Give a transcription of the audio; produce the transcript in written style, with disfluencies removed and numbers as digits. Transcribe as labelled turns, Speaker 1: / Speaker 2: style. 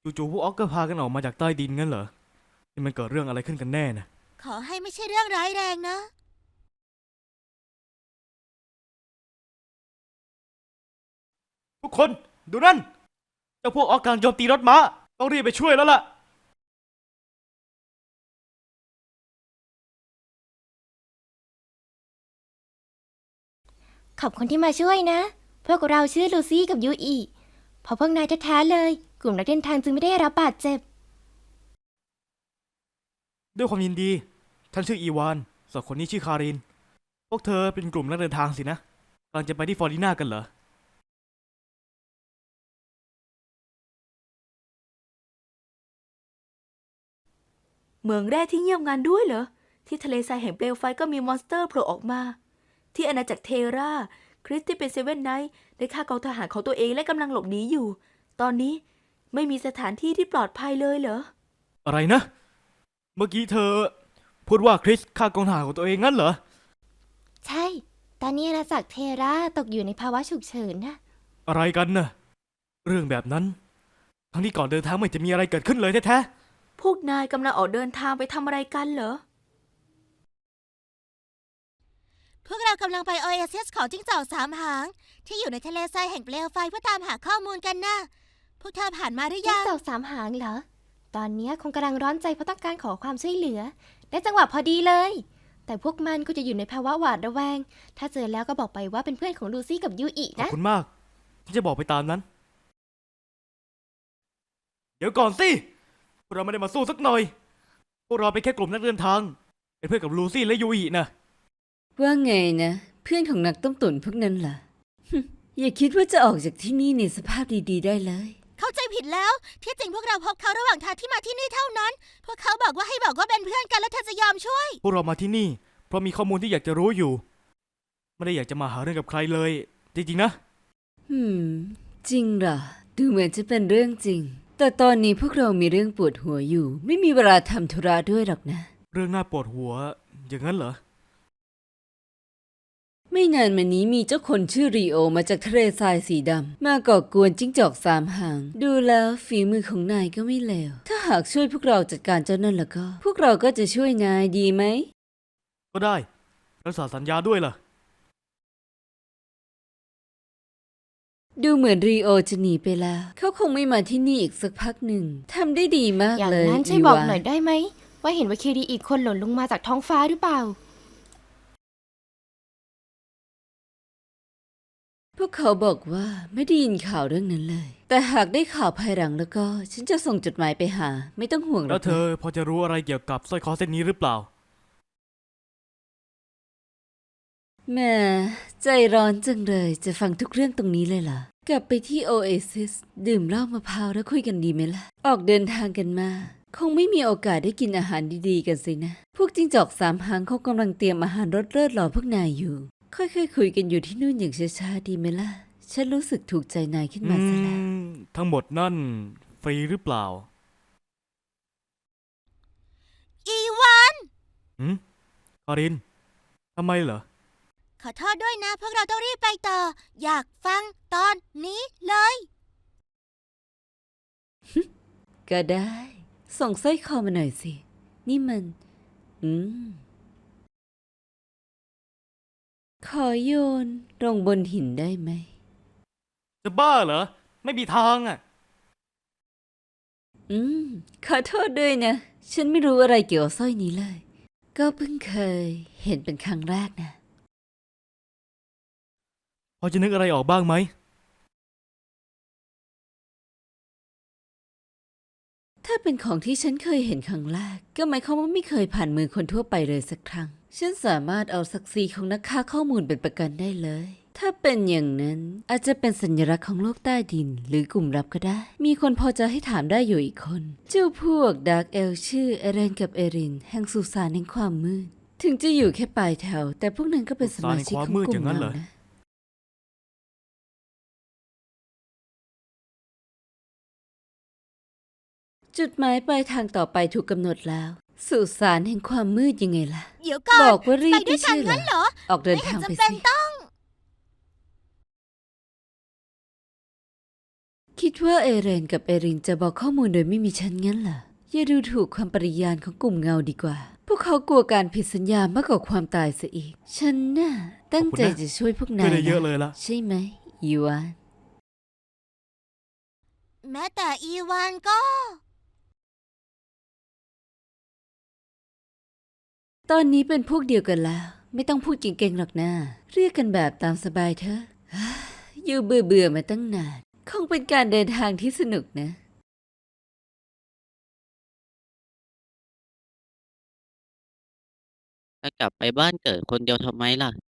Speaker 1: จู่ๆพวกออกก็พากันออกมาจากใต้ดินงั้นเหรอนี่มันเกิดเรื่องอะไรขึ้นกันแน่นะ
Speaker 2: ขอให้ไม่ใช่เรื่องร้ายแรงนะ
Speaker 1: ทุกคนดูนั่นเจ้าพวกออกกำลังโจมตีรถม้าต้องรีบไปช่วยแล้วล่ะ
Speaker 3: ขอบคุณที่มาช่วยนะ พวกเราชื่อลูซี่กับยูอีเพราะพวกนายแท้ๆเลย กลุ่มนักเดินทางจึงไม่ได้รับบาดเจ็บ
Speaker 1: ด้วยความยินดีท่านชื่ออีวานส่วนคนนี้ชื่อคารินพวกเธอเป็นกลุ่มนักเดินทางสินะกำลังจะไปที่ฟลอรินากันเหรอ
Speaker 4: เมืองแรกที่เงียบงันด้วยเหรอที่ทะเลทรายแห่งเปลวไฟก็มีมอนสเตอร์โผล่ออกมาที่อาณาจักรเทราคริสที่เป็นเซเว่นไนท์ได้ฆ่ากองทหารของตัวเองและกำลังหลบหนีอยู่ตอนนี้ไม่มีสถานที่ที่ปลอดภัยเลยเหรอ
Speaker 1: อะไรนะเมื่อกี้เธอพูดว่าคริสฆ่ากองทหารของตัวเองงั้นเหรอ
Speaker 3: ใช่ ตอนนี้อาณาจักรเทราตกอยู่ในภาวะฉุกเฉินนะ
Speaker 1: อะไรกันน่ะเรื่องแบบนั้นทั้งที่ก่อนเดินทางไม่จะมีอะไรเกิดขึ้นเลยแท้
Speaker 4: พวกนายกำลังออกเดินทางไปทำอะไรกันเหรอ
Speaker 2: พวกเรากำลังไปโอเอซิสของจิ้งจอกสามหางที่อยู่ในทะเลทรายแห่งเปลวไฟเพื่อตามหาข้อมูลกันนะพวกเธอผ่านมาหรือ
Speaker 3: จิ้ง
Speaker 2: ยัง
Speaker 3: จอกสามหางเหรอ ตอนนี้คงกำลังร้อนใจเพราะต้องการขอความช่วยเหลือ ได้จังหวะพอดีเลย แต่พวกมันก็จะอยู่ในภาวะหวาดระแวง ถ้าเจอแล้วก็บอกไปว่าเป็นเพื่อนของลูซี่กับยูอิ
Speaker 1: ๆขอบ
Speaker 3: นะ
Speaker 1: คุณมากที่จะบอกไปตามนั้นเดี๋ยวก่อนสิพวกเราไม่ได้มาสู้สักหน่อยพวกเราเป็นแค่กลุ่มนักเดินทางเป็นเพื่อนกับลูซี่และยูอินะ
Speaker 5: ว่าไงนะเพื่อนของนักต้มตุ๋นพวกนั้นล่ะ อย่าคิดว่าจะออกจากที่นี่ในสภาพดีๆได้เลย
Speaker 2: เข้าใจผิดแล้วที่จริงพวกเราพบเขาระหว่างทางที่มาที่นี่เท่านั้น พวกเขาบอกว่าให้บอกว่าเป็นเพื่อนกันแล้วเธอจะยอมช่วย
Speaker 1: พวกเรามาที่นี่เพราะมีข้อมูลที่อยากจะรู้อยู่ไม่ได้อยากจะมาหาเรื่องกับใครเลยจริงๆนะ
Speaker 5: อืม จริงเหรอ ดูเหมือนจะเป็นเรื่องจริง แต่ตอนนี้พวกเรามีเรื่องปวดหัวอยู่ ไม่มีเวลาทำธุระด้วยหรอกนะ
Speaker 1: เรื่องน่าปวดหัวอย่างนั้นเหรอ
Speaker 5: ไม่นานมานี้มีเจ้าคนชื่อรีโอมาจากทะเลทรายสีดำมาก่อกวนจิ้งจอกสามหาง ดูแล้วฝีมือของนายก็ไม่เลว ถ้าหากช่วยพวกเราจัดการเจ้านั่นแล้วก็ พวกเราก็จะช่วยนายดีไหม
Speaker 1: ก็ได้รักษาสัญญาด้วยล่ะ
Speaker 5: ดูเหมือนรีโอจะหนีไปแล้ว เขาคงไม่มาที่นี่อีกสักพักหนึ่ง ทำได้ดีมาก
Speaker 3: อย่าง
Speaker 5: เลย
Speaker 3: นั้นช่วยบอกหน่อยได้ไหม ว่าเห็นว่าเคดีอีกคนหล่นลงมาจากท้องฟ้าหรือเปล่า
Speaker 5: พวกเขาบอกว่าไม่ได้ยินข่าวเรื่องนั้นเลย แต่หากได้ข่าวภายหลังแล้วก็ ฉันจะส่งจดหมายไปหา ไม่ต้องห่วงหร
Speaker 1: แล้
Speaker 5: อ
Speaker 1: ว
Speaker 5: ก
Speaker 1: เธ
Speaker 5: นะ
Speaker 1: อพอจะรู้อะไรเกี่ยวกับสร้อยคอเส้นนี้หรือเปล่า
Speaker 5: แหม่ใจร้อนจังเลยจะฟังทุกเรื่องตรงนี้เลยเหรอ กลับไปที่โอเอซิสดื่มเหล้ามะพร้าวแล้วคุยกันดีไหมล่ะ ออกเดินทางกันมา คงไม่มีโอกาสได้กินอาหารดีๆกันสินะ พวกจิ้งจอกสามหางเขากำลังเตรียมอาหารรสเลิศรอพวกนายอยู่ ค่อยๆคุยกันอยู่ที่นู่นอย่างช้าๆดีไหมล่ะ ฉันรู้สึกถูกใจนายขึ้นมาซะแล้ว
Speaker 1: ทั้งหมดนั่นฟรีหรือเปล่า
Speaker 2: อีวาน
Speaker 1: หืมคารินทำไมเหรอ
Speaker 2: ขอโทษด้วยนะ พวกเราต้องรีบไปต่อ อยากฟังตอนนี้เลย
Speaker 5: ก็ได้ ส่งสร้อยคอมาหน่อยสิ นี่มัน ขอโยนลงบนหินได้ไหม
Speaker 1: จะบ้าเหรอไม่มีทางอ่ะ
Speaker 5: ขอโทษด้วยนะ ฉันไม่รู้อะไรเกี่ยวกับสร้อยนี้เลย ก็เพิ่งเคยเห็นเป็นครั้งแรกนะ
Speaker 1: พอจะนึกอะไรออกบ้างไหม
Speaker 5: ถ้าเป็นของที่ฉันเคยเห็นครั้งแรก ก็หมายความว่าไม่เคยผ่านมือคนทั่วไปเลยสักครั้ง ฉันสามารถเอาศักดิ์ศรีของนักฆ่าข้อมูลเป็นประกันได้เลย ถ้าเป็นอย่างนั้นอาจจะเป็นสัญลักษณ์ของโลกใต้ดินหรือกลุ่มลับก็ได้ มีคนพอจะให้ถามได้อยู่อีกคน เจ้าพวกดาร์กเอลชื่อเอเรนกับเอรินแห่งสุสานแห่งความมืด ถึงจะอยู่แค่ปลายแถว แต่พวกนั้นก็เป็นสมาชิกของกลุ่มเรานะ จุดหมายปลายทางต่อไปถูกกำหนดแล้ว สุสานแห่งความมืดยังไงล่ะ
Speaker 2: เดี๋ยวก่อน
Speaker 5: บอกว่ารี
Speaker 2: ไป
Speaker 5: บ
Speaker 2: ด้วย
Speaker 5: ไม่
Speaker 2: กัน
Speaker 5: ใช่
Speaker 2: งั้น
Speaker 5: เห
Speaker 2: เห
Speaker 5: ร
Speaker 2: ร
Speaker 5: อ
Speaker 2: อ
Speaker 5: ออกเดิน
Speaker 2: ไม่เห็
Speaker 5: ทาน งไป
Speaker 2: จำเป็น
Speaker 5: สิ
Speaker 2: ต้อง
Speaker 5: คิดว่าเอเรนกับเอรินจะบอกข้อมูลโดยไม่มีฉันงั้นเหรอ อย่าดูถูกความปริยานของกลุ่มเงาดีกว่า พวกเขากลัวการผิดสัญญามากกว่าความตายซะอีก ฉันน่ะตั้งใจจะช่วยพวกนา
Speaker 1: ช่วย
Speaker 5: ย
Speaker 1: ได้เยอะ
Speaker 5: นะ
Speaker 1: เลยละ
Speaker 5: ใช่ไหมอีวาน
Speaker 2: แม้แต่อีวานก็
Speaker 5: ตอนนี้เป็นพวกเดียวกันแล้ว ไม่ต้องพูดเก่งๆหรอกนะเรียกกันแบบตามสบายเถอะ อยู่เบื่อๆมาตั้งนาน คงเป็นการเดินทางที่สนุกนะ
Speaker 6: จะกลับไปบ้านเกิดคนเดียวทำไมล่ะ